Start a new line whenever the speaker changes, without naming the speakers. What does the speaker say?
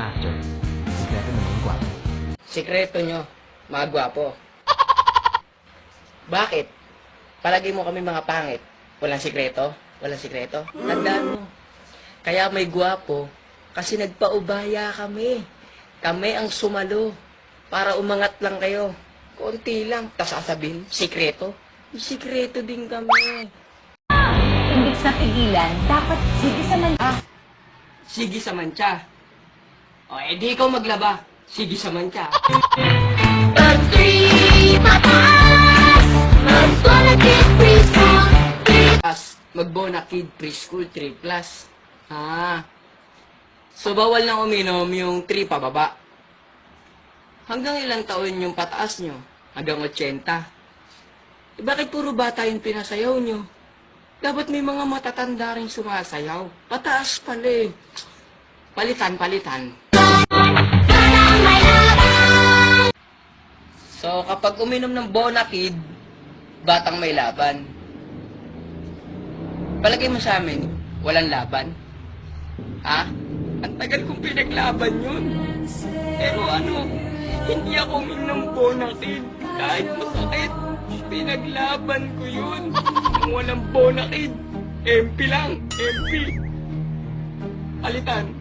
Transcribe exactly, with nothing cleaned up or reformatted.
actor. Sikreto naman gwapo.
Sikreto nyo, mga gwapo. Bakit? Palagi mo kami mga pangit. Walang sikreto? Walang sikreto? Tandaan mo. Kaya may gwapo, kasi nagpaubaya kami. Kami ang sumalo. Para umangat lang kayo. Konti lang. Tapos sasabihin, sikreto? May sikreto din kami.
Imbis na pigilan, dapat sige sa man...
Ah, sige sa mancha. O, edi ikaw maglaba. Sige sa mancha.
Pag three mataas, mag-bona kid preschool.
As magbona kid preschool three plus. Ah. So bawal nang uminom yung three pababa. Hanggang ilang taon yung pataas nyo? Hanggang eighty. Eh, bakit puro bata yung pinasayaw nyo? Dapat may mga matatanda rin sumasayaw. Pataas pala eh. Palitan, palitan. So, kapag uminom ng Bonakid, batang may laban. Palagay mo sa amin, walang laban? Ha? Ang tagal kong pinaglaban yun. Pero ano, hindi ako uminom ng Bonakid. Kahit masakit, pinaglaban ko yun. Kung walang Bonakid, M P lang, M P. Palitan.